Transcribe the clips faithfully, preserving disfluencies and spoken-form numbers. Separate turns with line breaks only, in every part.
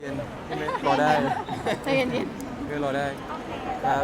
เย็นใช่ไหมรอได้
ใจเย็น
เพื่อรอได้ครับ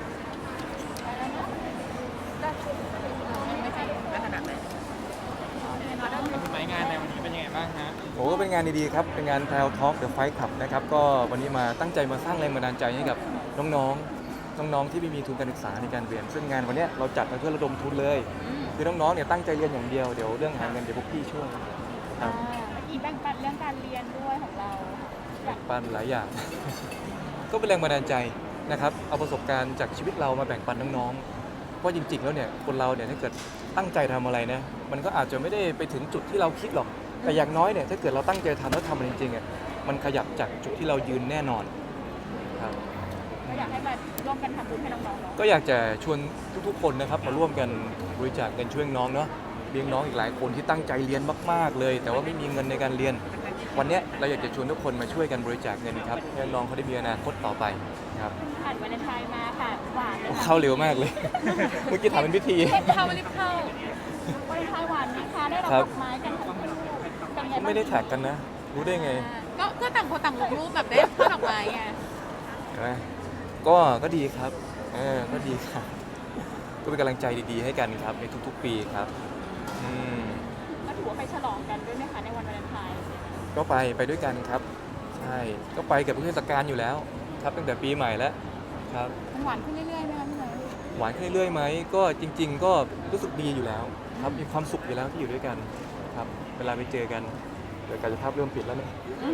หมายงานในวันนี้เป็นยังไงบ้างฮะ
โอ้ก็เป็นงานดีๆครับเป็นงานแพลวทอล์กเดอะไฟท์คลับนะครับก็วันนี้มาตั้งใจมาสร้างแรงบันดาลใจให้กับน้องๆน้องๆที่ไม่มีทุนการศึกษาในการเรียนซึ่งงานวันนี้เราจัดมาเพื่อระดมทุนเลย คือน้องๆเนี่ยตั้งใจเรียนอย่างเดียวเดี๋ยวเรื่องหาเงินเดี๋ยวพวกพี่ช่วยครับ
ๆอีกแบ่งปันเรื่องการเรียนด้วยของเราอยาก
ปันหลายอย่าง ก็เป็นแรงบันดาลใจนะครับเอาประสบการณ์จากชีวิตเรามาแบ่งปันน้องๆเพราะจริงๆแล้วเนี่ยคนเราเนี่ยถ้าเกิดตั้งใจทำอะไรนะมันก็อาจจะไม่ได้ไปถึงจุดที่เราคิดหรอกแต่อย่างน้อยเนี่ยถ้าเกิดเราตั้งใจทำแล้วทำมันจริงๆอ่ะมันขยับจากจุดที่เรายืนแน่นอนครับ
ก็อยากให้มาร่วมกันทำบุญให้น้องๆเนาะ
ก็อยากจะชวนทุกๆคนนะครับมาร่วมกันบริจาคเงินช่วยน้องเนาะเลี้ยงน้องอีกหลายคนที่ตั้งใจเรียนมากๆเลย แต่ว่าไม่มีเงินในการเรียนวันเนี้ยเราอยากจะชวนทุกคนมาช่วยกันบริจาคเงินครับให้น้องเขาได้มีอนาคตต่อไปครับ
ผ่านวาเลนไทน์มาค่ะหวานเลย
โอ้
ค่ะ
เข้าเร็วมากเลย เมื่อกี้ถามเป็นพิธี
เทปเข้ารีบเข้าวาเลนไทน์หวานไหมคะได้รับ
ครั
ด
บ
อกไม้กันทั้งคู่เป็นไงบ้าง
ไม่ได้แท็กกันนะ รู้ได้ไง
ก็ก็ต่างคนต่างลงรูปแบบได้ช่อดอกไม้ไง
เห็นไหมก็ก็ดีครับเออก็ดีครับ ก็เป็นกำลังใจดีๆให้กันครับในทุกๆปีครับอืม
ก็ถือว่าไปฉลองกันด้วยไหมคะในวันวาเลนไทน์
ก็ไปไปด้วยกันครับใช่ก็ไปกับเทศกาลอยู่แล้วครับตั้งแต่ปีใหม่แล้วครับ
มันหวานขึ้นเรื่อยๆไหมคะพี่เนย
หวานขึ้นเรื่อยๆไหมก็จริง ๆ ก็รู้สึกดีอยู่แล้วครับมีความสุขอยู่แล้วที่อยู่ด้วยกันครับเวลาไปเจอกันเดี๋ยวกายภาพเริ่มปิดแล้วเนี่ย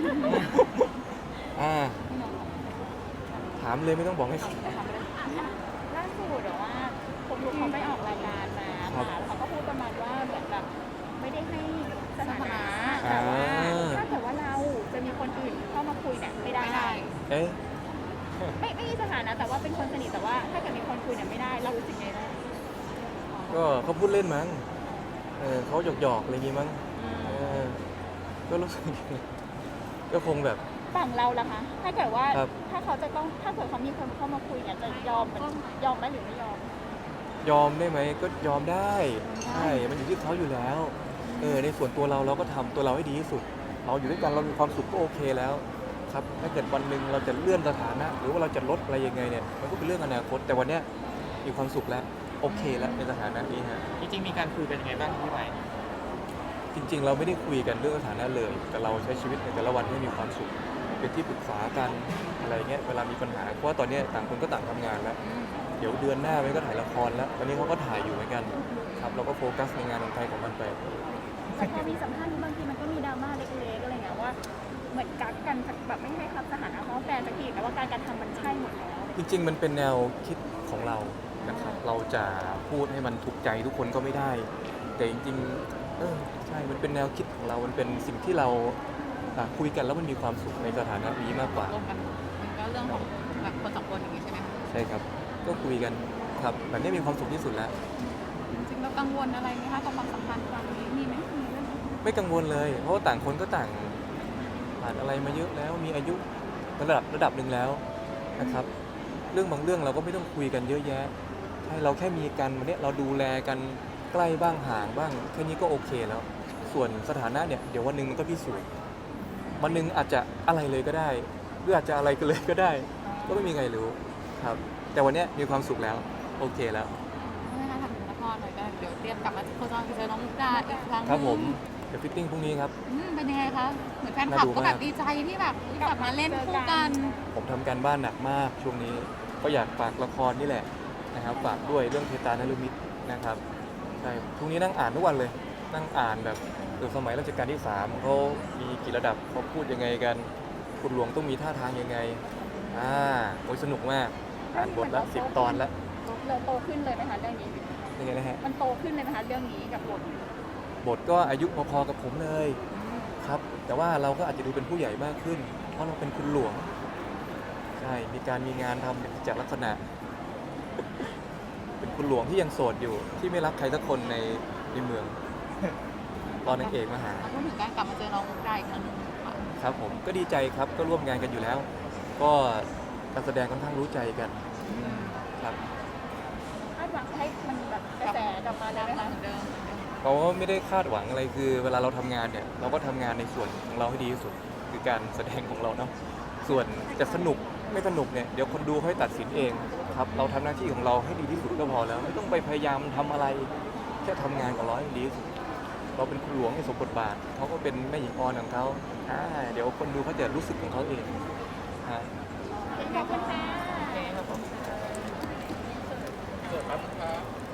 อ่า
พี่เนย
ถามเลยไม่ต้องบอกให้
ล่าสุดเดี๋ยวว่าผมรู้เขาไปออกรายการมาค่ะแล้วเขาก็พูดประมาณว่าเหมือนแบบไม่ได้ให้สถานะแต่ว่าถ้าเกิดว่าเราจะมีคนอื่นเข้ามาคุยเนี่ยไม่ได้
เอ๊ะ
ไม่ไม่มีสถานะแต่ว่าเป็นคนสนิทแต่ว่าถ้าเกิดมีคนคุยเนี่ยไม่ได้เรารู้สึกไงบ้าง
ก็เขาพูดเล่นมั้งเออเขาหยอกๆอะไรอย่างงี้มั้งเออก็รู้สึก ก็คงแบบ
ฝั่งเราล่ะคะถ้าเกิดว่า
ครับ
ถ้าเขาจะต้องถ้าเกิดเขามีคนเข้ามาคุยเนี่ยจะยอมมันยอมไหมหรือไม่ยอม
ยอมได้ไหมก็ยอมได้ใช่มันอยู่ที่เขาอยู่แล้วเออในส่วนตัวเราเราก็ทำตัวเราให้ดีที่สุด เราอยู่ด้วยกันเรามีความสุขก็โอเคแล้วครับถ้าเกิดวันหนึ่งเราจะเลื่อนสถานะ หรือว่าเราจะลดอะไรยังไงเนี่ยมันก็เป็นเรื่องอนาคตแต่วันเนี้ยมีความสุขแล้วโอเคแล้วในสถานะนี้ฮะ
จริงๆมีการคุยเป็นยังไงบ้างพี่ไหม
จริง ๆ เราไม่ได้คุยกันเรื่องสถานะเลย แต่เราใช้ชีวิตในแต่ละวันให้มีความสุขเป็นที่ปรึกษากันอะไรเงี้ยเวลามีปัญหาเพราะว่าตอนเนี้ยต่างคนก็ต่างทำงานแล้ว เดี๋ยวเดือนหน้ามันก็ถ่ายละครแล้วตอนนี้เขาก็ถ่ายอยู่เหมือนกันครับเราก็โฟกัสในงานของใครของมันไป
แต่พอมีสัมภาษณ์นี้บางทีมันก็มีดราม่าเล็กๆอะไรเงี้ยว่าเหมือนกักกันแบบไม่ให้ครับสถานะเพราะแฟนสักทีแต่ว่าการการทำมันใช่หมดแล้ว
จริง ๆ มันเป็นแนวคิดของเรานะครับ เราจะพูดให้มันถูกใจทุกคนก็ไม่ได้ แต่จริงๆเออใช่ มันเป็นแนวคิดของเรา มันเป็นสิ่งที่เราอ่ะคุยกันแล้วมันมีความสุขในสถานะนี้มากกว่า
รวมกันมันก็เรื่องของแบบคนสองคนอย่างนี้ใช่ไหม
ใช่ครับ ก็คุยกันครับแบบนี้มีความสุขที่สุดแล้ว
จริงๆเรากังวลอะไรไหมคะกับความสัมพันธ์ครั้งนี้มีไหมมีเรื่องนี้
ไม่กังวลเลย เพราะว่าต่างคนก็ต่างผ่านอะไรมาเยอะแล้ว มีอายุระดับระดับหนึ่งแล้วนะครับ เรื่องบางเรื่องเราก็ไม่ต้องคุยกันเยอะแยะใช่เราแค่มีกันวันนี้เราดูแลกันใกล้บ้างห่างบ้างแค่นี้ก็โอเคแล้ว ส่วนสถานะเนี่ยเดี๋ยววันหนึ่งมันก็พิสูจน์วันหนึ่งอาจจะอะไรเลยก็ได้หรืออาจจะอะไรกันเลยก็ได้ ก็ไม่มีใครรู้ครับ แต่วันเนี้ยมีความสุขแล้วโอเคแล้ว
นะคะทำถึงละครหน่อยก็เดี๋ยวเตรียมกลับมาโคจรเจอน้องมุกดาอีกครั้ง
ครับผมเดี๋ยวฟิตติ้งพรุ่งนี้ครับ
อืมเป็นยังไงคะเหมือนแฟนคลับก็แบบดีใจที่แบบกลับมาเล่นคู่กัน
ผมทำการบ้านหนักมากช่วงนี้ก็อยากฝากละครนี่แหละนะครับฝากด้วยเรื่องเทตานฤมิตนะครับใช่พรุ่งนี้นั่งอ่านทุกวันเลย นั่งอ่านแบบเออสมัยรัชกาลที่สามเขามีกี่ระดับเขาพูดยังไงกันคุณหลวงต้องมีท่าทางยังไงอ่าโอ้ยสนุกมากอ่านบทละสิบตอนแล้ว
เราโตขึ้นเลยไหมคะเรื่องนี้
ยังไงนะฮะ
มันโตขึ้นเลยไหมคะเรื่องนี้กับบท
บทก็อายุพอๆกับผมเลยครับแต่ว่าเราก็อาจจะดูเป็นผู้ใหญ่มากขึ้น เพราะเราเป็นคุณหลวงใช่มีการมีงานทำเป็นกิจลักษณะ เป็นคุณหลวงที่ยังโสดอยู่ที่ไม่รักใครสักคนในในเมือง ตอนนางเอกมาหา
พูดถึงการกลับมาเจอน้องมุกดาอีกครั้งหนึงค่ะ
ครับผมก็ดีใจครับก็ร่วมงานกันอยู่แล้ว ก็การแสดงค่อนข้างรู้ใจกันครับ
คาดหวังให้มันแบบกระแสกลับมาดังเหมือนเดิม
เขาก็ไม่ได้คาดหวังอะไรคือ เวลาเราทำงานเนี่ยเราก็ทำงานในส่วนของเราให้ดีที่สุดคือการแสดงของเราเนาะส่วนจะสนุกไม่สนุกเนี่ยเดี๋ยวคนดูให้ตัดสินเองครับเราทำหน้าที่ของเราให้ดีที่สุดก็พอแล้วไม่ต้องไปพยายามทำอะไรแค่ทำงานของเราให้ดีที่สุดเราเป็นคุณหลวงในสมบทบาทเขาก็เป็นแม่หญิงออนของเขาอ่าเดี๋ยวคนดูเขาจะรู้สึกของเขาเองฮะ
ขอบคุณค่ะ
โอเคครับผมเกิดครับ